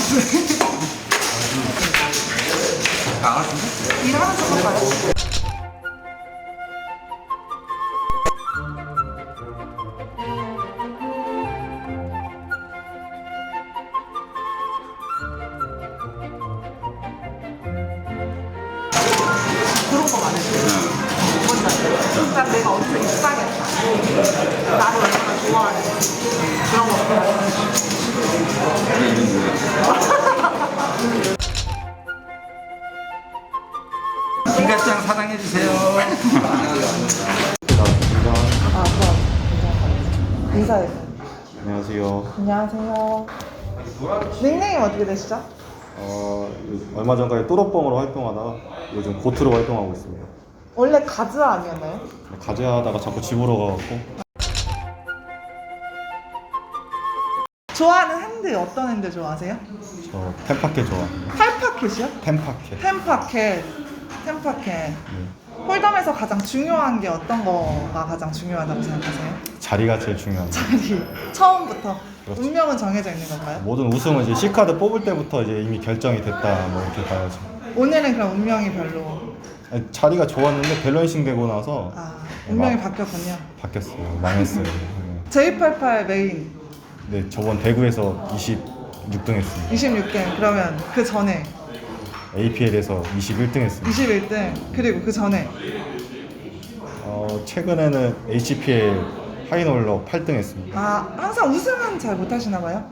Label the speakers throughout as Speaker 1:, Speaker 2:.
Speaker 1: 알았는데?
Speaker 2: 일하는 척 할까요? 그런 거 많으시죠? 일단 내가 어디서 입사겠다. 나를 얼마나 좋아하는지. 그런 거.
Speaker 1: 김가짱 사랑해주세요.
Speaker 2: 아, 좋아. 인사해.
Speaker 3: 안녕하세요.
Speaker 2: 안녕하세요. 닉네임 어떻게 되시죠?
Speaker 3: 얼마 전까지 또로뻥으로 활동하다가 요즘 고트로 활동하고 있습니다.
Speaker 2: 원래 가즈아 아니었나요?
Speaker 3: 가재하다가 자꾸 집으로 가갖고
Speaker 2: 좋아하는 핸드 어떤 핸드 좋아하세요?
Speaker 3: 저 템파켓 좋아합니다.
Speaker 2: 팔파켓이요?
Speaker 3: 템파켓.
Speaker 2: 템파켓. 템파켓. 홀덤에서 가장 중요한 게 어떤 거가 가장 중요하다고 생각하세요?
Speaker 3: 자리가 제일 중요합니다.
Speaker 2: 자리. 처음부터.
Speaker 3: 그렇죠.
Speaker 2: 운명은 정해져 있는 건가요?
Speaker 3: 모든 우승은 이제 C카드 뽑을 때부터 이제 이미 결정이 됐다 뭐 이렇게 봐야죠.
Speaker 2: 오늘은 그럼 운명이 별로.
Speaker 3: 아니, 자리가 좋았는데 밸런싱 되고 나서
Speaker 2: 아, 운명이
Speaker 3: 막
Speaker 2: 바뀌었군요.
Speaker 3: 바뀌었어요. 망했어요.
Speaker 2: J88 메인
Speaker 3: 네, 저번 대구에서 26등 했습니다.
Speaker 2: 26등. 그러면 그 전에
Speaker 3: APL에서 21등 했습니다.
Speaker 2: 21등. 그리고 그 전에
Speaker 3: 최근에는 HPL 하이놀러 8등 했습니다.
Speaker 2: 아, 항상 우승은 잘 못하시나 봐요?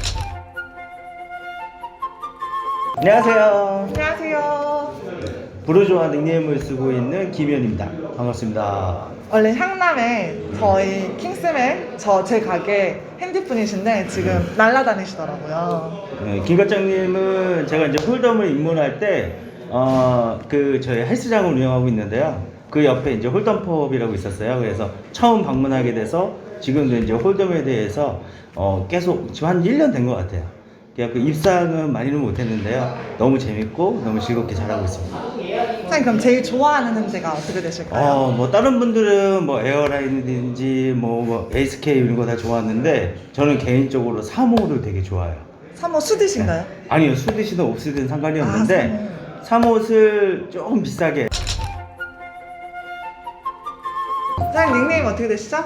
Speaker 4: 안녕하세요.
Speaker 2: 안녕하세요.
Speaker 4: 부르주아 닉네임을 쓰고 있는 김현입니다. 반갑습니다.
Speaker 2: 원래 향남에 저희 킹스맨 제 가게 핸디분이신데 지금 날라다니시더라고요.
Speaker 4: 네, 김 과장님은 제가 이제 홀덤을 입문할 때, 저희 헬스장을 운영하고 있는데요. 그 옆에 이제 홀덤펍이라고 있었어요. 그래서 처음 방문하게 돼서 지금도 이제 홀덤에 대해서 계속 지금 한 1년 된 것 같아요. 그래서 입사는 많이는 못했는데요. 너무 재밌고 너무 즐겁게 잘하고 있습니다.
Speaker 2: 선생님 그럼 제일 좋아하는 핸드가 어떻게 되실까요?
Speaker 4: 뭐 다른 분들은 뭐 에어라인이든지 뭐 에이스케이 이런 거 다 좋아하는데 저는 개인적으로 3호를 되게 좋아해요.
Speaker 2: 3호 수디신가요?
Speaker 4: 아니요, 수드시든 옵시든 상관이 없는데 3호를 조금 비싸게.
Speaker 2: 선생님 닉네임 어떻게 되시죠?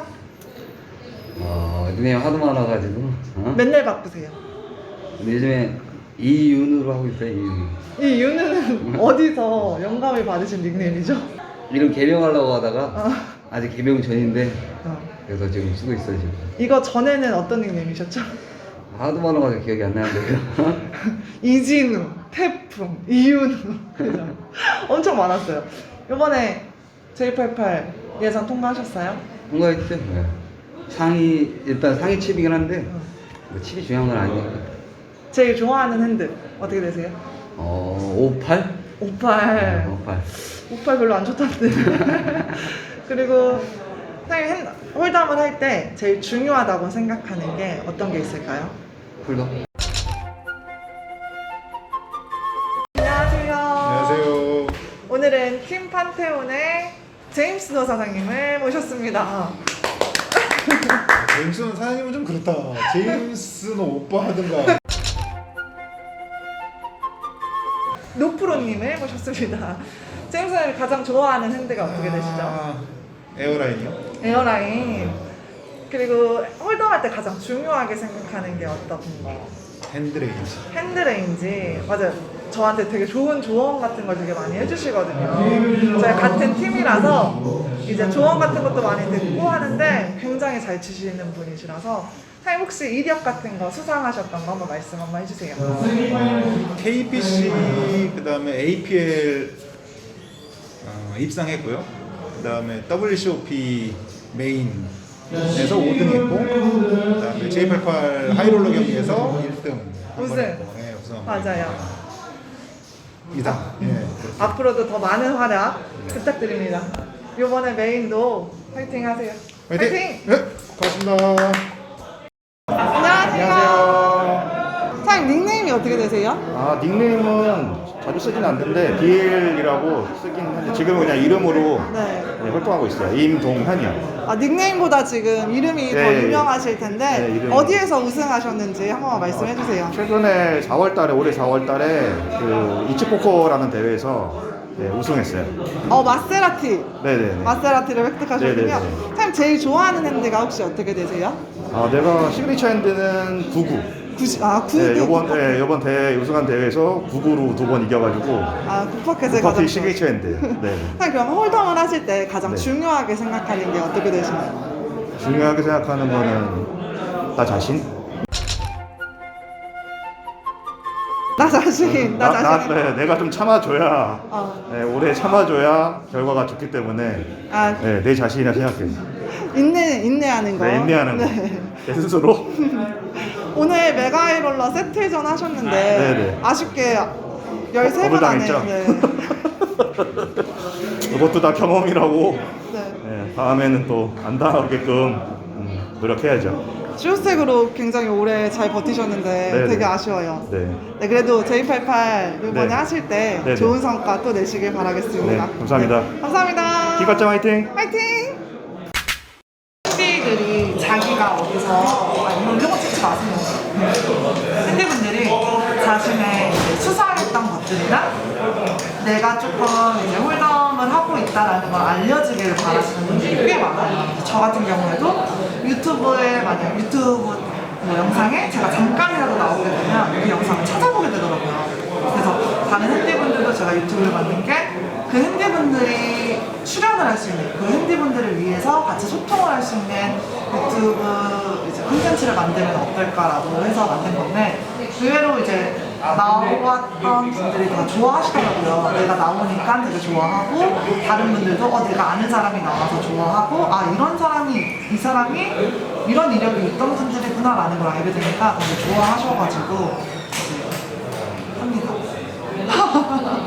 Speaker 1: 닉네임 하도 많아가지고.
Speaker 2: 맨날 바꾸세요.
Speaker 1: 근데 요즘에 이윤으로 하고 있어요, 이윤.
Speaker 2: 이 윤은 어디서 영감을 받으신 닉네임이죠?
Speaker 1: 이름 개명하려고 하다가
Speaker 2: 어.
Speaker 1: 아직 개명 전인데
Speaker 2: 어.
Speaker 1: 그래서 지금 쓰고 있어요, 지금.
Speaker 2: 이거 전에는 어떤 닉네임이셨죠?
Speaker 1: 하도 많아가지고 기억이 안 나는데요.
Speaker 2: 이진우, 태풍, 이윤우 그죠? 엄청 많았어요. 이번에 J88 예선 통과하셨어요?
Speaker 1: 통과했죠? 네. 일단 상위 칩이긴 한데 뭐 칩이 중요한 건 아니니까.
Speaker 2: 제일 좋아하는 핸드 어떻게 되세요?
Speaker 1: 58?
Speaker 2: 58.
Speaker 1: 58.
Speaker 2: 58 별로 안 좋던데. 그리고 선생님 홀덤을 할 때 제일 중요하다고 생각하는 게 어떤 게 있을까요?
Speaker 1: 홀더?
Speaker 2: 안녕하세요.
Speaker 3: 안녕하세요.
Speaker 2: 오늘은 팀 판테온의 제임스 노 사장님을 모셨습니다.
Speaker 5: 제임스는 사장님은 좀 그렇다. 제임스는 오빠 하든가.
Speaker 2: 노프로님을 모셨습니다. 제임스 사장님이 가장 좋아하는 핸드가 어떻게 되시죠?
Speaker 5: 에어라인이요?
Speaker 2: 에어라인. 그리고 홀덤할 때 가장 중요하게 생각하는 게 어떤 거?
Speaker 5: 핸드레인지.
Speaker 2: 핸드레인지. 맞아요. 저한테 되게 좋은 조언 같은 걸 되게 많이 해주시거든요. 저희 같은 팀이라서 이제 조언 같은 것도 많이 듣고 하는데 굉장히 잘 치시는 분이시라서 사장님 혹시 이력 같은 거 수상하셨던 거 한번 말씀 한번 해주세요.
Speaker 5: KBC 그다음에 APL 입상했고요. 그다음에 WCOP 메인에서 5등 했고, 그다음에 J88 하이롤러 경기에서 1등.
Speaker 2: 우승.
Speaker 5: 네, 우승.
Speaker 2: 맞아요.
Speaker 5: 이다. 예.
Speaker 2: 앞으로도 더 많은 활약 부탁드립니다. 이번에 메인도 파이팅 하세요.
Speaker 5: 화이팅! 네, 고맙습니다.
Speaker 2: 안녕하세요. 사장님 닉네임이 어떻게 되세요?
Speaker 3: 아 닉네임은 자주 쓰진 않는데 BL이라고 쓰긴 하는데 지금은 그냥 이름으로
Speaker 2: 네.
Speaker 3: 네, 활동하고 있어요. 임동현이요.
Speaker 2: 아, 닉네임보다 지금 이름이 더
Speaker 3: 네,
Speaker 2: 유명하실 텐데
Speaker 3: 네, 이름이.
Speaker 2: 어디에서 우승하셨는지 한 번만 말씀해 주세요.
Speaker 3: 최근에 4월달에 올해 4월달에 그 이치포커라는 대회에서 네, 우승했어요.
Speaker 2: 마세라티.
Speaker 3: 네네네.
Speaker 2: 마세라티를 획득하셨군요.
Speaker 3: 네네네.
Speaker 2: 선생님 제일 좋아하는 핸드가 혹시 어떻게 되세요?
Speaker 3: 아 내가 시그니처 핸드는 99.
Speaker 2: 9.
Speaker 3: 네, 이번 대회 우승한 대회에서 99로 2번 이겨가지고
Speaker 2: 쿠퍼켓을
Speaker 3: 쿠퍼티
Speaker 2: 가장
Speaker 3: 시그니처 핸드. 네.
Speaker 2: 선생님 그럼 홀덤을 하실 때 가장
Speaker 3: 네.
Speaker 2: 중요하게 생각하는 게 어떻게 되시나요?
Speaker 3: 중요하게 생각하는 거는 나 자신.
Speaker 2: 나 자신.
Speaker 3: 네, 내가 좀 참아줘야
Speaker 2: 어.
Speaker 3: 네, 오래 참아줘야 결과가 좋기 때문에
Speaker 2: 아,
Speaker 3: 네, 내 자신이라 생각해.
Speaker 2: 인내하는 거.
Speaker 3: 네, 인내하는 거.
Speaker 2: 네.
Speaker 3: 내 스스로.
Speaker 2: 오늘 메가이롤러 세트전 하셨는데
Speaker 3: 네네.
Speaker 2: 아쉽게 13번 안에
Speaker 3: 더블당했죠?
Speaker 2: 네.
Speaker 3: 그것도 다 경험이라고.
Speaker 2: 네.
Speaker 3: 네, 다음에는 또 안 당하게끔 노력해야죠.
Speaker 2: 슈스색으로 굉장히 오래 잘 버티셨는데
Speaker 3: 네네.
Speaker 2: 되게 아쉬워요.
Speaker 3: 네.
Speaker 2: 네, 그래도 J88 이번에
Speaker 3: 네.
Speaker 2: 하실 때
Speaker 3: 네네.
Speaker 2: 좋은 성과 또 내시길 바라겠습니다.
Speaker 3: 네, 감사합니다.
Speaker 2: 네, 감사합니다.
Speaker 3: 기과장 화이팅!
Speaker 2: 화이팅! 팬들이 자기가 어디서 이런 거 찍지 마세요. 팬들분들이 자신의 수사했던 것들이나 내가 조금 이제 홀덤을 하고 있다라는 걸 알려지기를 바라시는 분들이 꽤 많아요. 저 같은 경우에도 유튜브에 만약 유튜브 뭐 영상에 제가 잠깐이라도 나오게 되면 그 영상을 찾아보게 되더라고요. 그래서 다른 핸디분들도 제가 유튜브를 만든 게 그 핸디분들이 출연을 할 수 있는 그 핸디분들을 위해서 같이 소통을 할 수 있는 유튜브 이제 콘텐츠를 만들면 어떨까라고 해서 만든 건데 의외로 이제 나왔던 분들이 다 좋아하시더라고요. 내가 나오니까 되게 좋아하고 다른 분들도 내가 아는 사람이 나와서 좋아하고 이런 사람이 이 사람이 이런 이력이 있던 분들이구나라는 걸 알게 되니까 되게 좋아하셔가지고 이제 합니다.